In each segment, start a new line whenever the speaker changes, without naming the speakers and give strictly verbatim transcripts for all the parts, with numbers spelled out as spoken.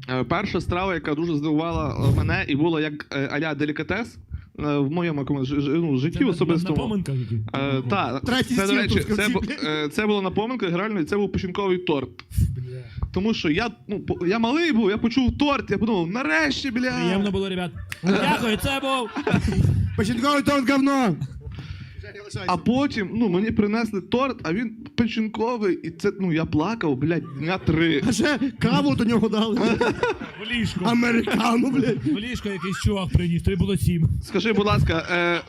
Е, Перша страва, яка дуже здивувала мене і була як е, а-ля делікатес е, в моєму якомусь ж- ж- ну, житті
Це на-
особистому.
на поминках які?
Е, та,
Третій
це, до
стіл
речі,
тут в
це,
кінці.
бу- е, це було на поминках, реально, і це був печінковий торт. Тому що я, ну, по- я малий був, я почув торт, я подумав, нарешті, бля.
Приємно було, ребят. Дякую, це був...
Печінковий торт говно!
А потім, ну, мені принесли торт, а він печінковий, і це, ну, я плакав, блядь, дня три.
А ще каву до нього дали.
В ліжку.
Американу, блядь.
В ліжку якийсь чувак приніс, тобі було сім.
Скажи, будь ласка, е...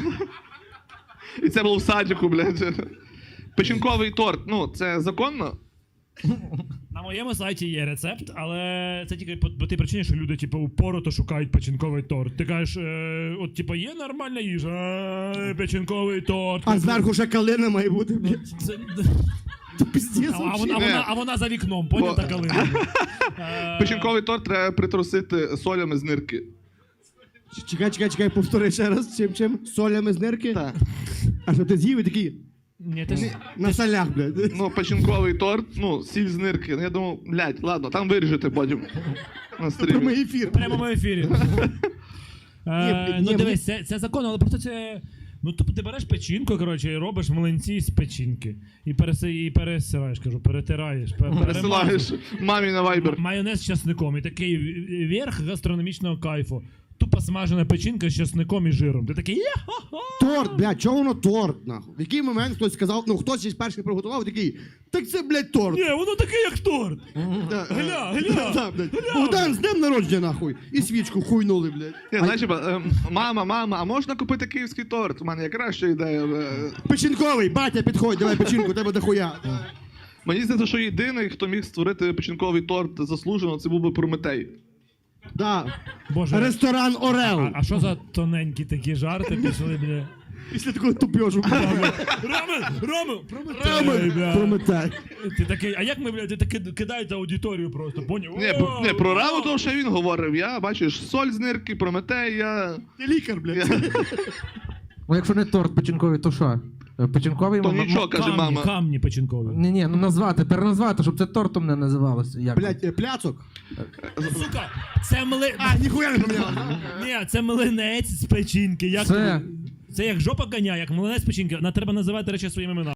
і це було в садіку, блядь. Печінковий торт, ну, це законно?
На моєму сайті є рецепт, але це тільки по, по тій причині, що люди, типу, упорото шукають печінковий торт. Ти кажеш, е, от, типу, є нормальна їжа, е, печінковий торт.
А зверху ще калина має бути, блядь.
Це,
Це піздець.
а, а, вона, а,
Ні.
вона, а вона за вікном, поняв,
Бо-
та калина. Е,
Печінковий торт треба притрусити солями з нирки.
Чекай, чекай, чекай, повтори ще раз. Чим, чим? Солями з нирки?
Так.
А що ти з'їв і такий
Ні, ти ж...
на солях, блядь.
Ну, печінковий торт, ну, сіль з нирки. Ну, я думав, блядь, ладно, там виріжете потім на стрімі.
Прямий ефір.
В прямому ефірі. Е,
Ні,
ну
ні,
дивись, це, це законно, але просто це. Ну, тобто ти береш печінку, коротше, і робиш млинці з печінки. І, переси, і пересилаєш, кажу, перетираєш. пер-
Пересилаєш
перемазуєш.
мамі на вайбер.
М- Майонез з часником. І такий верх гастрономічного кайфу. Тупо смажена печінка з часником і жиром. Ти такий я-ха-ха!
Торт, блядь, чого воно торт, нахуй? В який момент хтось сказав, ну хтось із перших приготував, такий, так це, блядь, торт.
Ні, воно таке, як торт.
Да,
Гля,
е,
гля,
да, блядь.
гля.
Богдан, з днем народження, нахуй. І свічку хуйнули, блядь.
Ні, знаєш, типа, ем, мама, мама, а можна купити київський торт? У мене якраз ще ідея. е.
Печінковий, батя, підходь, давай печінку, тебе дохуя.
Мені здається, що єдиний, хто міг створити печінковий торт заслужено, це був би Прометей.
Да.
Боже,
Ресторан Орел.
а, а що за тоненькі такі жарти пішли, бля?
Після такого тупьожу.
Роме, Роме, Прометей, бля.
Прометей.
Ти такий, а як ми, блядь, ти таки кидаєте аудиторію просто, поняв?
Ні,
О,
не, про
о.
раву того, що він говорив. Я, бачиш, соль з нирки, Прометей, я...
Ти лікар, блядь.
Ну, якщо не торт печінковий, то що? Е, Печінковий
То
м- м-
нічого, каже
Камні,
мама.
камні печінкові.
Ні, ні, ну назвати, переназвати, щоб це тортом не називалося. Як?
Блядь, е, пляцок.
Сука, це мли...
А, ніхуя не поміняв.
Ні, це млинець з печінки. Як...
Це-
Це як жопа коня, як млинець з печінки. На треба називати речі своїми іменами.